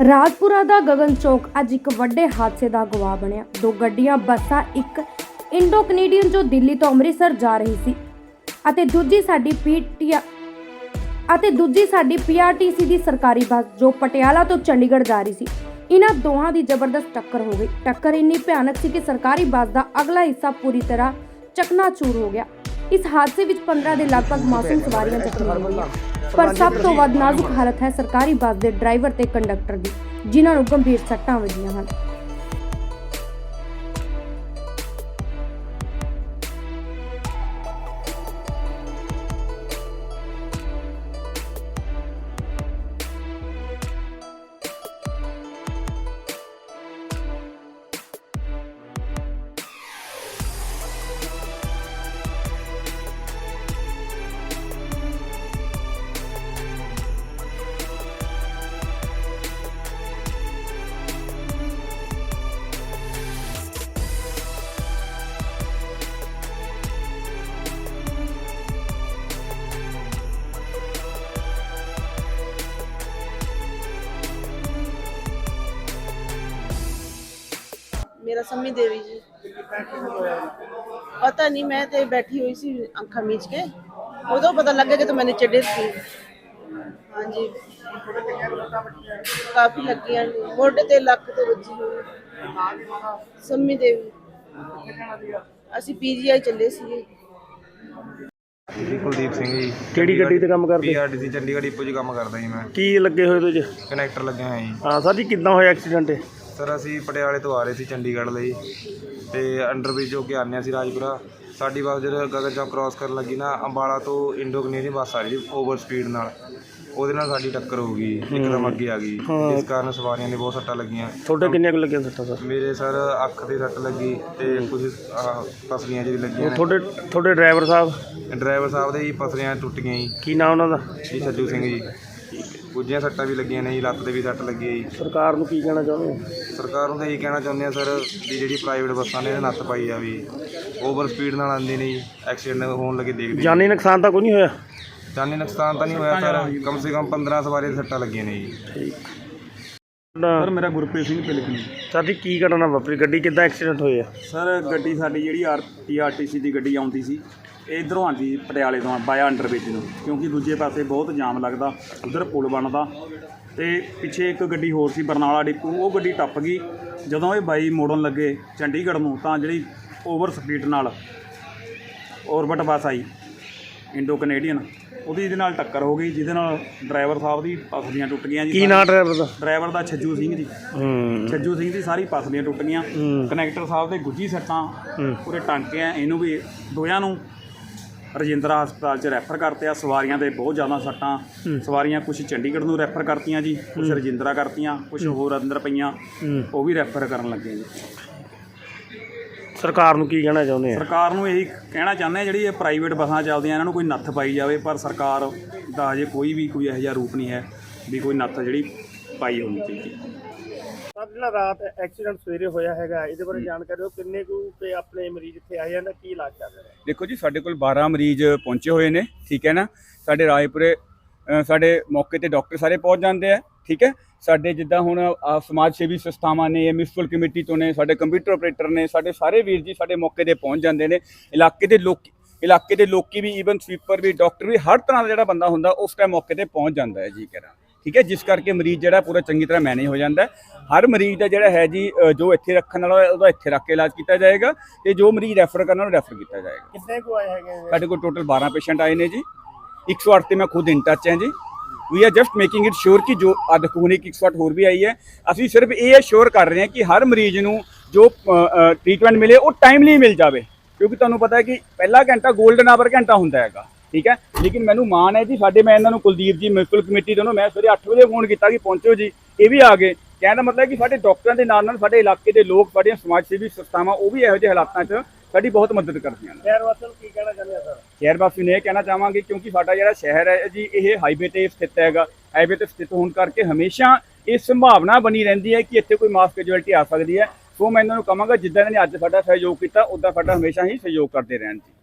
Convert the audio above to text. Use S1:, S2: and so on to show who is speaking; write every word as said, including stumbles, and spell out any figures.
S1: ਰਾਜਪੁਰਾ ਦਾ ਗगन ਚੌਕ ਅੱਜ ਇੱਕ ਵੱਡੇ ਹਾਦਸੇ ਦਾ ਗਵਾਹ ਬਣਿਆ। ਦੋ ਗੱਡੀਆਂ ਬੱਸਾਂ, ਇੱਕ ਇੰਡੋ ਕੈਨੇਡੀਅਨ ਜੋ ਦਿੱਲੀ ਤੋਂ ਅੰਮ੍ਰਿਤਸਰ ਜਾ ਰਹੀ ਸੀ ਅਤੇ ਦੂਜੀ ਸਾਡੀ ਪੀਟੀਆ ਅਤੇ ਦੂਜੀ ਸਾਡੀ ਪੀਆਰਟੀਸੀ ਦੀ ਸਰਕਾਰੀ ਬੱਸ ਜੋ ਪਟਿਆਲਾ ਤੋਂ ਚੰਡੀਗੜ੍ਹ ਜਾ ਰਹੀ ਸੀ। ਇਹਨਾਂ ਦੋਹਾਂ ਦੀ ਜ਼ਬਰਦਸਤ ਟੱਕਰ ਹੋ ਗਈ। ਟੱਕਰ ਇੰਨੀ ਭਿਆਨਕ ਸੀ ਕਿ ਸਰਕਾਰੀ ਬੱਸ ਦਾ ਅਗਲਾ ਹਿੱਸਾ ਪੂਰੀ ਤਰ੍ਹਾਂ ਚਕਨਾਚੂਰ ਹੋ ਗਿਆ। ਇਸ ਹਾਦਸੇ ਵਿੱਚ ਪੰਦਰਾਂ ਦੇ ਲਗਭਗ ਮਾਸੂਮ ਸਵਾਰੀਆਂ ਜ਼ਖਮੀ ਹੋਈਆਂ, ਪਰ ਸਭ ਤੋਂ ਵੱਧ ਨਾਜ਼ੁਕ ਹਾਲਤ ਹੈ ਸਰਕਾਰੀ ਬੱਸ ਦੇ ਡਰਾਈਵਰ ਤੇ ਕੰਡਕਟਰ ਦੀ, ਜਿਨ੍ਹਾਂ ਨੂੰ ਗੰਭੀਰ ਸੱਟਾਂ ਵੱਜੀਆਂ ਹਨ।
S2: मेरा सम्मी देवी जी पता नहीं, मैं तो बैठी हुई सी अखा मीच के, उदो पता लग गया कि तो मैंने चढ़े थी। हाँ जी, काफ़ी लगी मोढे ते लक ते वजी हुई। सम्मी देवी असी पीजीआई चले सी।
S3: ਕੁਲਦੀਪ ਸਿੰਘ ਜੀ।
S4: ਕਿਹੜੀ ਗੱਡੀ ਤੇ ਕੰਮ ਕਰਦੇ?
S3: ਪੀਆਰਟੀਸੀ ਚੰਡੀਗੜ੍ਹ ਡਿਪੂ 'ਚ ਕੰਮ ਕਰਦਾ ਜੀ ਮੈਂ।
S4: ਕੀ ਲੱਗੇ ਹੋਏ ਤੁਸੀਂ?
S3: ਕਨੈਕਟਰ ਲੱਗਿਆ ਹੋਇਆ ਜੀ।
S4: ਹਾਂ ਸਰ ਜੀ, ਕਿੱਦਾਂ ਹੋਇਆ ਐਕਸੀਡੈਂਟ?
S3: ਸਰ ਅਸੀਂ ਪਟਿਆਲੇ ਤੋਂ ਆ ਰਹੇ ਸੀ ਚੰਡੀਗੜ੍ਹ ਲਈ ਤੇ ਅੰਡਰਬ੍ਰਿਜ ਹੋ ਕੇ ਆਉਂਦੇ ਸੀ ਰਾਜਪੁਰਾ। ਸਾਡੀ ਬੱਸ ਜਦੋਂ ਗगन ਚੌਕ ਕ੍ਰਾਸ ਕਰਨ ਲੱਗੀ ਨਾ, ਅੰਬਾਲਾ ਤੋਂ ਇੰਡੋ ਕੈਨੇਡੀਅਨ ਬੱਸ ਆ ਰਹੀ ਸੀ ਓਵਰ ਸਪੀਡ ਨਾਲ, ਉਹਦੇ ਨਾਲ ਸਾਡੀ ਟੱਕਰ ਹੋ ਗਈ, ਇੱਕਦਮ ਅੱਗੇ ਆ ਗਈ, ਜਿਸ ਕਾਰਨ ਸਵਾਰੀਆਂ ਨੇ ਬਹੁਤ ਸੱਟਾਂ ਲੱਗੀਆਂ।
S4: ਤੁਹਾਡੇ ਕਿੰਨੀਆਂ ਕੁ ਲੱਗੀਆਂ ਸੱਟਾਂ ਸਰ?
S3: ਮੇਰੇ ਸਰ ਅੱਖ ਤੇ ਸੱਟ ਲੱਗੀ ਤੇ ਕੁਝ ਪਸਲੀਆਂ ਜਿਹੜੀ ਲੱਗੀਆਂ ਨੇ।
S4: ਤੁਹਾਡੇ ਤੁਹਾਡੇ ਡਰਾਈਵਰ ਸਾਹਿਬ?
S3: ਡਰਾਈਵਰ ਸਾਹਿਬ ਦੇ ਜੀ ਪਸਲੀਆਂ ਟੁੱਟ ਗਈਆਂ ਜੀ।
S4: ਕੀ ਨਾਮ ਉਹਨਾਂ ਦਾ?
S3: ਜੀ ਸੱਜੂ ਸਿੰਘ ਜੀ। ਗੁੱਜੀਆਂ ਸੱਟਾਂ ਵੀ ਲੱਗੀਆਂ ਨੇ ਜੀ, ਲੱਤ ਤੇ ਵੀ ਸੱਟ ਲੱਗੀ ਹੈ ਜੀ।
S4: ਸਰਕਾਰ ਨੂੰ ਕੀ ਕਹਿਣਾ ਚਾਹੁੰਦੇ ਹੋ?
S3: ਸਰਕਾਰ ਨੂੰ ਤਾਂ ਇਹੀ ਕਹਿਣਾ ਚਾਹੁੰਦੇ ਆ ਸਰ ਵੀ ਜਿਹੜੀ ਪ੍ਰਾਈਵੇਟ ਬੱਸਾਂ ਨੇ ਇਹਦੇ ਨੱਥ ਪਾਈ ਆ, ਵੀ ਓਵਰ ਸਪੀਡ ਨਾਲ ਆਉਂਦੀ ਨੇ ਜੀ, ਐਕਸੀਡੈਂਟ ਹੋਣ ਲੱਗੇ ਦੇਖਦੇ।
S4: ਜਾਨੀ ਨੁਕਸਾਨ ਤਾਂ ਕੋਈ ਨਹੀਂ ਹੋਇਆ?
S3: ਜਾਨੀ ਨੁਕਸਾਨ ਤਾਂ ਨਹੀਂ ਹੋਇਆ ਸਰ, ਕਮ ਸੇ ਕਮ ਪੰਦਰਾਂ ਸਵਾਰੀ ਦੀਆਂ ਸੱਟਾਂ ਲੱਗੀਆਂ ਨੇ ਜੀ।
S4: ਠੀਕ
S5: ਸਰ ਮੇਰਾ ਗੁਰਪ੍ਰੀਤ ਸਿੰਘ ਪਿਲਕਣੀ।
S4: ਸਰ ਜੀ ਕੀ ਘਟਨਾ ਵਾਪਰੀ? ਗੱਡੀ ਕਿੱਦਾਂ ਐਕਸੀਡੈਂਟ ਹੋਇਆ?
S5: ਸਰ ਗੱਡੀ ਸਾਡੀ ਜਿਹੜੀ R T R T C ਦੀ ਗੱਡੀ ਆਉਂਦੀ ਸੀ, ਇੱਧਰੋਂ ਆਉਂਦੀ ਪਟਿਆਲੇ ਤੋਂ ਬਾਇਆ ਅੰਡਰਬ੍ਰਿਜ ਨੂੰ, ਕਿਉਂਕਿ ਦੂਜੇ ਪਾਸੇ ਬਹੁਤ ਜਾਮ ਲੱਗਦਾ, ਉੱਧਰ ਪੁਲ ਬਣਦਾ ਤੇ ਪਿੱਛੇ ਇੱਕ ਗੱਡੀ ਹੋਰ ਸੀ ਬਰਨਾਲਾ ਡਿਪੂ, ਉਹ ਗੱਡੀ ਟੱਪ ਗਈ। ਜਦੋਂ ਇਹ ਬਾਈ ਮੋੜਨ ਲੱਗੇ ਚੰਡੀਗੜ੍ਹ ਨੂੰ ਤਾਂ ਜਿਹੜੀ ਓਵਰ ਸਪੀਡ ਨਾਲ ਔਰਬਿਟ ਬੱਸ ਆਈ ਇੰਡੋ ਕੈਨੇਡੀਅਨ, ਉਹਦੀ ਇਹਦੇ ਨਾਲ ਟੱਕਰ ਹੋ ਗਈ, ਜਿਹਦੇ ਨਾਲ ਡਰਾਈਵਰ ਸਾਹਿਬ ਦੀ ਪਸਲੀਆਂ ਟੁੱਟ ਗਈਆਂ ਜੀ।
S4: ਕੀ ਨਾਂ ਡਰਾਈਵਰ ਦਾ?
S5: ਡਰਾਈਵਰ ਦਾ ਛੱਜੂ ਸਿੰਘ ਜੀ। ਛੱਜੂ ਸਿੰਘ ਦੀ ਸਾਰੀ ਪਸਲੀਆਂ ਟੁੱਟ ਗਈਆਂ। ਕਨੈਕਟਰ ਸਾਹਿਬ ਦੇ ਗੁੱਜੀ ਸੱਟਾਂ ਪੂਰੇ ਟਾਂਕੇ ਆ, ਇਹਨੂੰ ਵੀ ਦੋਹਾਂ ਨੂੰ ਰਜਿੰਦਰਾ ਹਸਪਤਾਲ 'ਚ ਰੈਫਰ ਕਰਤੇ ਆ। ਸਵਾਰੀਆਂ ਦੇ ਬਹੁਤ ਜ਼ਿਆਦਾ ਸੱਟਾਂ, ਸਵਾਰੀਆਂ ਕੁਛ ਚੰਡੀਗੜ੍ਹ ਨੂੰ ਰੈਫਰ ਕਰਤੀਆਂ ਜੀ, ਕੁਛ ਰਜਿੰਦਰਾ ਕਰਤੀਆਂ, ਕੁਛ ਹੋਰ ਅੰਦਰ ਪਈਆਂ, ਉਹ ਵੀ ਰੈਫਰ ਕਰਨ ਲੱਗੇ ਜੀ।
S4: ਸਰਕਾਰ ਨੂੰ ਕੀ ਕਹਿਣਾ ਚਾਹੁੰਦੇ ਆ?
S5: ਸਰਕਾਰ ਨੂੰ ਇਹੀ ਕਹਿਣਾ ਚਾਹੁੰਦੇ ਆ, ਜਿਹੜੀ ਇਹ ਪ੍ਰਾਈਵੇਟ ਬੱਸਾਂ ਚੱਲਦੀਆਂ ਇਹਨਾਂ ਨੂੰ ਕੋਈ ਨੱਥ ਪਾਈ ਜਾਵੇ, ਪਰ ਸਰਕਾਰ ਦਾ ਅਜੇ ਕੋਈ ਵੀ ਕੋਈ ਇਹੋ ਜਿਹਾ ਰੂਪ ਨਹੀਂ ਹੈ ਵੀ ਕੋਈ ਨੱਥ ਜਿਹੜੀ ਪਾਈ ਹੋਣੀ ਚਾਹੀਦੀ।
S4: ਸਰ ਜਿਹੜਾ ਰਾਤ ਐਕਸੀਡੈਂਟ ਸਵੇਰੇ ਹੋਇਆ ਹੈਗਾ, ਇਹਦੇ ਬਾਰੇ ਜਾਣਕਾਰੀ ਦਿਓ। ਕਿੰਨੇ ਕੁ ਤੇ ਆਪਣੇ ਮਰੀਜ਼ ਇੱਥੇ ਆਏ ਜਾਂਦੇ, ਕੀ ਇਲਾਜ ਚੱਲ ਰਿਹਾ?
S6: ਦੇਖੋ ਜੀ, ਸਾਡੇ ਕੋਲ ਬਾਰਾਂ ਮਰੀਜ਼ ਪਹੁੰਚੇ ਹੋਏ ਨੇ, ਠੀਕ ਹੈ ਨਾ। ਸਾਡੇ ਰਾਏਪੁਰੇ ਸਾਡੇ ਮੌਕੇ ਤੇ ਡਾਕਟਰ ਸਾਰੇ ਪਹੁੰਚ ਜਾਂਦੇ ਆ, ਠੀਕ ਹੈ। ਸਾਡੇ ਜਿੱਦਾਂ ਹੁਣ ਸਮਾਜ ਸੇਵੀ ਸੰਸਥਾਵਾਂ ਨੇ, ਮਿਊਨਿਸਪਲ ਕਮੇਟੀ ਤੋਂ ਨੇ, ਸਾਡੇ ਕੰਪਿਊਟਰ ਆਪਰੇਟਰ ਨੇ, ਸਾਡੇ ਸਾਰੇ ਵੀਰ ਜੀ ਸਾਡੇ ਮੌਕੇ ਤੇ ਪਹੁੰਚ ਜਾਂਦੇ ਨੇ। ਇਲਾਕੇ ਦੇ ਲੋਕ ਇਲਾਕੇ ਦੇ ਲੋਕੀ ਵੀ, ਈਵਨ ਸਵੀਪਰ ਵੀ, ਡਾਕਟਰ ਵੀ, ਹਰ ਤਰ੍ਹਾਂ ਦਾ ਜਿਹੜਾ ਬੰਦਾ ਹੁੰਦਾ ਉਸ ਟਾਈਮ ਮੌਕੇ ਤੇ ਪਹੁੰਚ ਜਾਂਦਾ ਹੈ ਜੀ ਕਰਾਂ, ਠੀਕ ਹੈ। ਜਿਸ ਕਰਕੇ ਮਰੀਜ਼ ਜਿਹੜਾ ਪੂਰਾ ਚੰਗੀ ਤਰ੍ਹਾਂ ਮੈਨੇਜ ਹੋ ਜਾਂਦਾ। ਹਰ ਮਰੀਜ਼ ਦਾ ਜਿਹੜਾ ਹੈ ਜੀ, ਜੋ ਇੱਥੇ ਰੱਖਣ ਵਾਲਾ ਉਹਦਾ ਇੱਥੇ ਰੱਖ ਕੇ ਇਲਾਜ ਕੀਤਾ ਜਾਏਗਾ, ਤੇ ਜੋ ਮਰੀਜ਼ ਰੈਫਰ ਕਰਨ ਵਾਲਾ ਰੈਫਰ ਕੀਤਾ ਜਾਏਗਾ।
S4: ਕਿੰਨੇ ਕੁ ਆਏ ਹੈਗੇ?
S6: ਸਾਡੇ ਕੋਲ ਟੋਟਲ ਬਾਰਾਂ ਪੇਸ਼ੈਂਟ ਆਏ ਨੇ ਜੀ। ਇੱਕ ਸੌ ਅੱਠ ਤੇ ਮੈਂ ਖੁਦ ਇਨ ਟੱਚ ਹਾਂ ਜੀ। We are just making it sure ਕਿ ਜੋ ਅੱਧ ਕੋਨੇ ਇੱਕ ਸੌ ਅੱਠ ਹੋਰ ਵੀ ਆਈ ਹੈ। ਅਸੀਂ ਸਿਰਫ ਇਹ ਸ਼ੋਰ ਕਰ ਰਹੇ ਹਾਂ ਕਿ ਹਰ ਮਰੀਜ਼ ਨੂੰ ਜੋ ਟ੍ਰੀਟਮੈਂਟ ਮਿਲੇ ਉਹ ਟਾਈਮਲੀ ਮਿਲ ਜਾਵੇ, ਕਿਉਂਕਿ ਤੁਹਾਨੂੰ ਪਤਾ ਹੈ ਕਿ ਪਹਿਲਾ ਘੰਟਾ ਗੋਲਡਨ ਆਵਰ ਘੰਟਾ ਹੁੰਦਾ ਹੈਗਾ, ਠੀਕ ਹੈ। ਲੇਕਿਨ ਮੈਨੂੰ ਮਾਣ ਹੈ ਜੀ, ਸਾਡੇ ਮੈਂ ਇਹਨਾਂ ਨੂੰ ਕੁਲਦੀਪ ਜੀ ਮਿਊਨਿਸਪਲ ਕਮੇਟੀ ਤੋਂ ਮੈਂ ਸਵੇਰੇ ਅੱਠ ਵਜੇ ਫੋਨ ਕੀਤਾ ਕਿ ਪਹੁੰਚੋ ਜੀ, ਇਹ ਵੀ ਆ ਗਏ। ਕਹਿਣ ਦਾ ਮਤਲਬ ਕਿ ਸਾਡੇ ਡਾਕਟਰਾਂ ਦੇ ਨਾਲ ਨਾਲ ਸਾਡੇ ਇਲਾਕੇ ਦੇ ਲੋਕ, ਸਾਡੀਆਂ ਸਮਾਜ ਸੇਵੀ ਸੰਸਥਾਵਾਂ, ਉਹ ਵੀ ਇਹੋ ਜਿਹੇ ਹਾਲਾਤਾਂ 'ਚ ਸਾਡੀ ਬਹੁਤ ਮਦਦ ਕਰਦੀਆਂ ਨੇ।
S4: ਸ਼ਹਿਰ ਵਾਸੀਆਂ ਨੂੰ ਕੀ ਕਹਿਣਾ ਚਾਹੁੰਦੇ ਆ ਸਰ?
S6: ਸ਼ਹਿਰ ਵਾਸੀ ਨੂੰ ਇਹ ਕਹਿਣਾ ਚਾਹਾਂਗੇ, ਕਿਉਂਕਿ ਸਾਡਾ ਜਿਹੜਾ ਸ਼ਹਿਰ ਹੈ ਜੀ, ਇਹ ਹਾਈਵੇ ਤੇ ਸਥਿਤ ਹੈਗਾ। ਹਾਈਵੇ ਤੇ ਸਥਿਤ ਹੋਣ ਕਰਕੇ ਹਮੇਸ਼ਾ ਇਹ ਸੰਭਾਵਨਾ ਬਣੀ ਰਹਿੰਦੀ ਹੈ ਕਿ ਇੱਥੇ ਕੋਈ ਮਾਸ ਕੈਜੁਅਲਟੀ ਆ ਸਕਦੀ ਹੈ। ਸੋ ਮੈਂ ਇਹਨਾਂ ਨੂੰ ਕਹਾਂਗਾ, ਜਿੱਦਾਂ ਇਹਨਾਂ ਨੇ ਅੱਜ ਸਾਡਾ ਸਹਿਯੋਗ ਕੀਤਾ, ਉੱਦਾਂ ਸਾਡਾ ਹਮੇਸ਼ਾ ਹੀ ਸਹਿਯੋਗ ਕਰਦੇ ਰਹਿਣ ਜੀ।